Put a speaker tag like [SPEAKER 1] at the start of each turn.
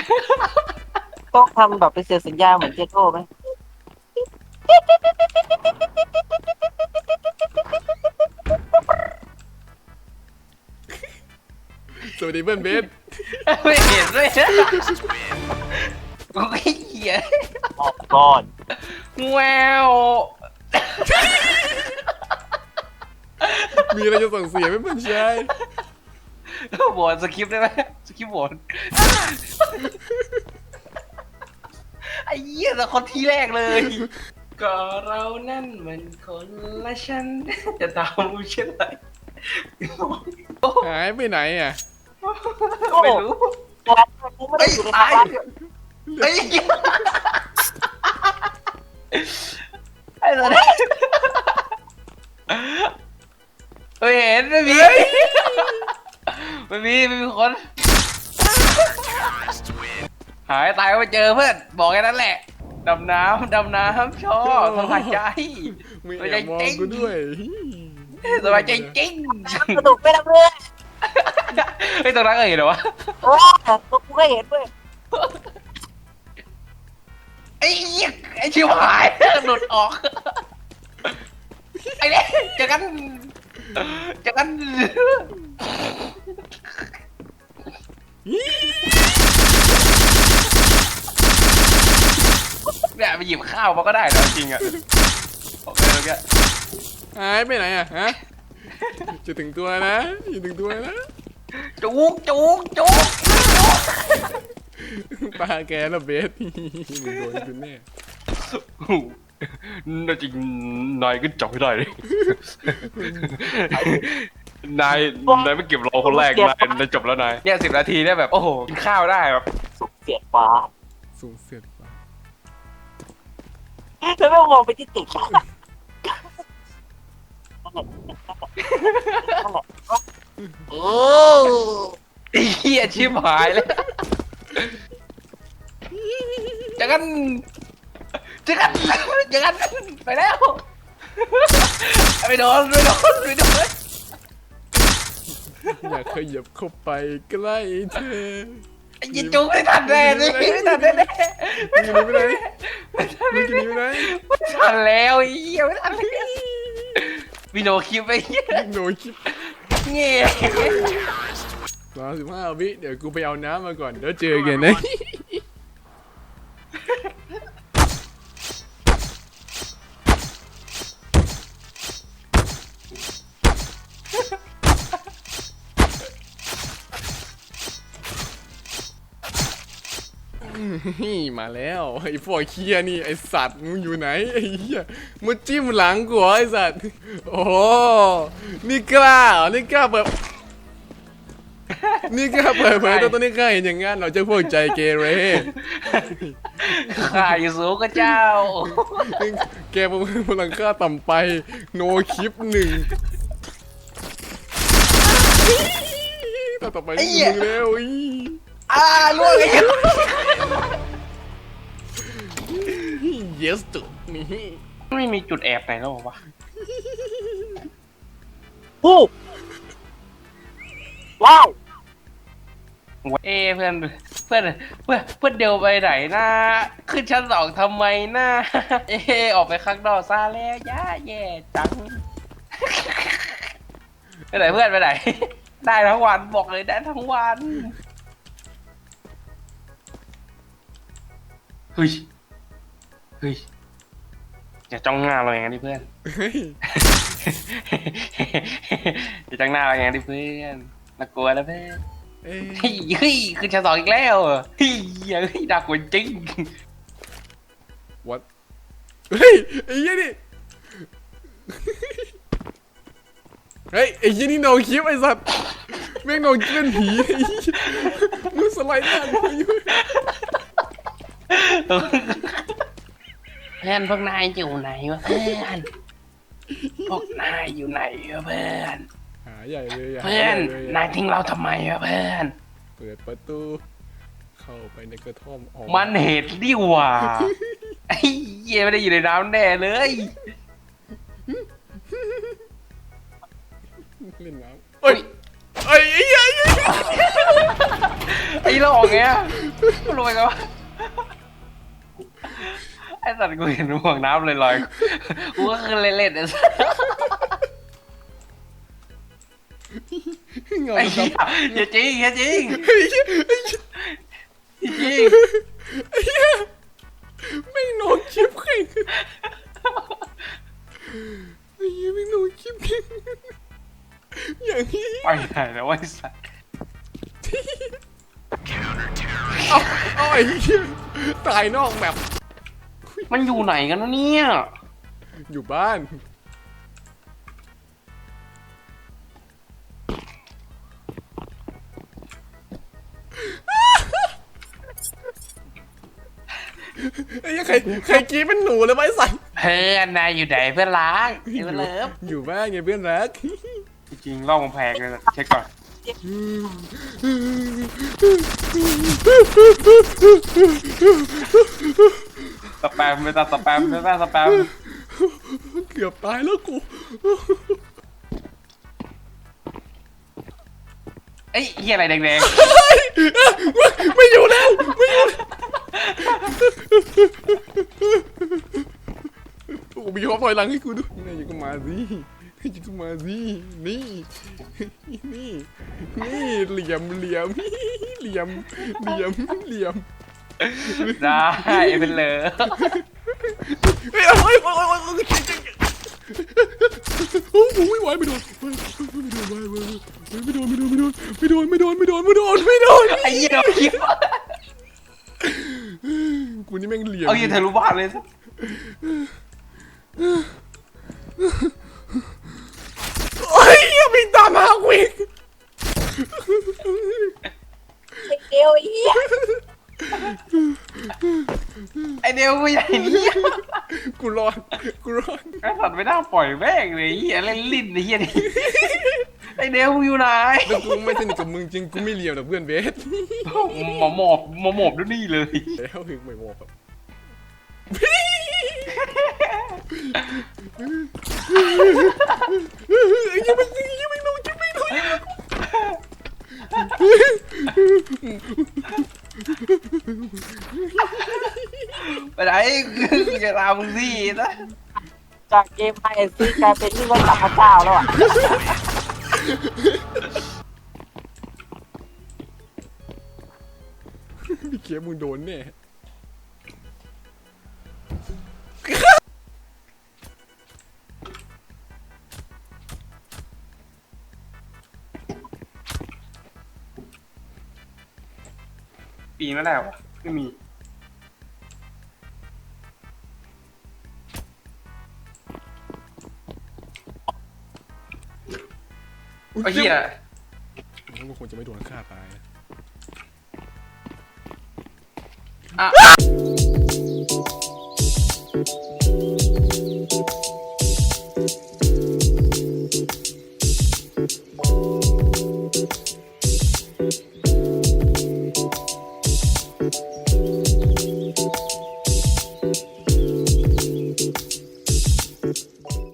[SPEAKER 1] ต้องทำแบบเป็นเสียงสัญญาเหมือนเจโก้ไหม
[SPEAKER 2] สวัสดีเพื่อนเบส
[SPEAKER 3] ไม่เห็นเลยโอ้ยเหี้ย
[SPEAKER 1] ออกก่อน
[SPEAKER 3] แวว
[SPEAKER 2] มีอะไรจะส่งเสียงไหมเพื่อนชาย
[SPEAKER 3] โหวตสคริปต์ได้ไหมสคริปต์โหวตไอ้เหี้ยแต่คนที่แรกเลย ก็เรานั่นมันคนละชั้นจะตามรู้เช่นไร
[SPEAKER 2] หายไปไหนอ่ะ
[SPEAKER 3] ไม่รู้
[SPEAKER 1] วันกูไม่ได้อยู่ใน
[SPEAKER 3] ตาย
[SPEAKER 1] บ้าน
[SPEAKER 3] ไอ้ไอ้ตัวนี้ไม่เห็นไม่มีไม่มีคนหายตายก็ไปเจอเพื่อนบอกแค่นั้นแหละดำน้ำชอบสบายใจ
[SPEAKER 2] มีแอบมองกูด้วย
[SPEAKER 3] สบายใจจริง
[SPEAKER 1] สนุกไม่ได้เลย
[SPEAKER 3] ไอ้ตรงนั้นก็เห็นเหรอวะ
[SPEAKER 1] โอ้ตัวกูก็เห็นด้วย
[SPEAKER 3] ไอ้เหี้ยไอ้ชิวหายหลุดออกไอ้เนี่ยเจอกันเนี่ยไปหยิบข้าวมาก็ได้นะจริงอ่ะโอเคโอเค
[SPEAKER 2] หายไปไหนอ่ะฮะจะถึงตัวนะจะถึงตัวนะ
[SPEAKER 3] จุก
[SPEAKER 2] ตาแกแล้วเบสมึงโดนกูแน่
[SPEAKER 3] น่าจริงนายก็จับไม่ได้เลยนายไม่เก็บเราคนแรกนายจบแล้วนายเนี่ย10 นาทีเนี่ยแบบโอ้โหกินข้าวได้แบบ
[SPEAKER 1] สุกเสียดฟ้า
[SPEAKER 2] สูงเสียดฟ้า
[SPEAKER 1] แล้วไม่มองไปที่ตึกนั่นแหละโอ้
[SPEAKER 3] ไอ้เหี้ยชิบหายเลยจักันไปแล้วไม่โดน
[SPEAKER 2] อยากขยับเข้าไปใกล้เธอ
[SPEAKER 3] ไอ้ยิงจุกไม่ทันแน่เลยไม่ทันแน่
[SPEAKER 2] มึงจะหนีไปไหนมึงจะหนีไปไหน
[SPEAKER 3] ไม่ทันแล้วไอ้เหี้ยไม่ทันแล้ววิโนคิวไปเหี้ย
[SPEAKER 2] โนคลิป
[SPEAKER 3] เงี้ย
[SPEAKER 2] 35 วิเดี๋ยวกูไปเอาน้ำมาก่อนเดี๋ยวเจอกันนะมาแล้วไอ้พวกเคียนี่ไอ้สัตว์มึงอยู่ไหนไอ้เหี้ยมึงจิ้มหลังกูเหรอไอ้สัตว์โอ้โหนี่กล้าเหรอนี่กล้าเปิดนี่กล้าเปิดเผยตัวนี้กล้าเห็นอย่างงั้นเราจะพวกใจเกเร
[SPEAKER 3] ข้าอยู่สูงกับเจ้า
[SPEAKER 2] แกพลังค่าต่ำไปโนคลิป1ต่อไปมึงแล้วอี
[SPEAKER 3] ล่วงไอ้
[SPEAKER 2] yes จุดนี่
[SPEAKER 3] ไม่มีจุดแอบไหนแล้ววะ
[SPEAKER 1] ผู้ว้าว
[SPEAKER 3] เพื่อนเดียวไปไหนนะขึ้นชั้น2ทำไมนะออกไปข้างนอกซะแล้วแย่จังไปไหนเพื่อนไปไหนได้ทั้งวันบอกเลยได้ทั้งวันเฮ้ยอย่าจ้องหน้าเราอย่างนั้นดิเพื่อน
[SPEAKER 2] เฮ้ย
[SPEAKER 3] อย่าจ้องหน้าเราอย่างนั้นดิเพื่อนน่ากลัวแล้วเพื่อน
[SPEAKER 2] เอ้ย
[SPEAKER 3] เฮ้ยขึ้นชั้น2อีกแล้วเฮ้ยน่ากลัวจริง
[SPEAKER 2] what เฮ้ยไอ้ยี่นี่เฮ้ยไอ้ยี่นี่โนคลิปไอ้สัตว์แม่งโนคลิปเป็นผีไอ้เหี้ยมึงสไลด์หน้ากูอยู่
[SPEAKER 3] เพื่อนพวกนายอยู่ไหนวะเพื่อนพวกนายอยู่ไหนวะเพื่อน
[SPEAKER 2] หาใหญ่เลยะ
[SPEAKER 3] เพื่อน
[SPEAKER 2] หาใหญ่เลย
[SPEAKER 3] นายทิ้งเราทำไมวะเพื่อน
[SPEAKER 2] เปิดประตูเข้าไปในกระท่อมออก
[SPEAKER 3] มันเหตุดิว่าไอ้เหี้ยไม่ได้อยู่ในน้ำแน่เลย
[SPEAKER 2] เล่นน้ำเอ้ยไอ้เหี้ย
[SPEAKER 3] ไอ้หลอกไง
[SPEAKER 2] เ
[SPEAKER 3] กูรวยกันวะไอ้สัตว์กูเห็นห่วงน้ำลอยๆกูก็คือเล่นๆไอ้สัตว์
[SPEAKER 2] เงา
[SPEAKER 3] ไอ้
[SPEAKER 2] ด
[SPEAKER 3] เหี้ยอย่าจริงอย่าจริง
[SPEAKER 2] ำ
[SPEAKER 3] จริง
[SPEAKER 2] ไม่งโนคลิปแข่งไอ้เหี้ยไม่งโนคลิปแข่งอย่างนี้
[SPEAKER 3] ไปไหนแล้วไอ้สัตว์
[SPEAKER 2] เอาไอ้เหี้ยตายนอกแบบ
[SPEAKER 3] มันอยู่ไหนกันนะเนี่ย
[SPEAKER 2] อยู่บ้านไอ้เหี้ยใครกรีดเป็นหนูเลยไหมสัน
[SPEAKER 3] เพื่อนนายอยู่ไหนเพื่อนรักไอ้เพื่อนเลิฟ
[SPEAKER 2] อยู่บ้านไงเพื่อนรัก
[SPEAKER 3] จริงๆล่องกำแพงเลยนะเช็คก่อนสแปมไม่ตาสแปมไม่ตาสแปม
[SPEAKER 2] เกือบตายแล้วกู
[SPEAKER 3] เอ้ยเฮียอะไรแดง
[SPEAKER 2] ไม่อยู่แล้วไม่อยู่โอ้มีความถอยหลังให้กูด้วยนี่อยู่ก็มาสิอยู่ก็มาสินี่นี่เหลี่ยม
[SPEAKER 3] ๆได้เป็นเลย
[SPEAKER 2] เฮ้ยโอ้ยโอ้ยไหวไม่โดน
[SPEAKER 3] ไอ้เหี้ยคิดว่า
[SPEAKER 2] กูนี่แม่งเหลี่ยม
[SPEAKER 3] เอาเหี้ยทะลุบ้านเลยสิ
[SPEAKER 2] โอ้ยวิ่งตามหากูอีก
[SPEAKER 1] ไอ้เดียวไอ้เหี้ย
[SPEAKER 3] ไอเดียวกูใหญ่เนี่ย
[SPEAKER 2] กูรอด
[SPEAKER 3] ไอ้สัตว์ไม่น่าปล่อยแม่งเลยไอ้เหี้ยเล่นลิ้นไอ้เหี้ยนี่ไอเดียวกูอยู่ไหน
[SPEAKER 2] แล้วกูไม่สนิทกับมึงจริงกูไม่เหลี่ยมกับเพื่อนเบส
[SPEAKER 3] หมอบด้วยนี่เลย
[SPEAKER 2] แล้วถึงไม่บอกครับยังไม่ลง
[SPEAKER 3] ไปไหนกูจะตามมึงสินะ
[SPEAKER 1] จากเกมไฮเอสซีกลายเป็นที่ว่าจับพระเจ้าแล้วอ่ะ
[SPEAKER 2] พี่เคียบมึงโดนแน่
[SPEAKER 3] ปีมาแล้วไม่มีไอ้เหี้ย
[SPEAKER 2] กูคงจะไม่โดนฆ่าตายนะ
[SPEAKER 3] อ่ะ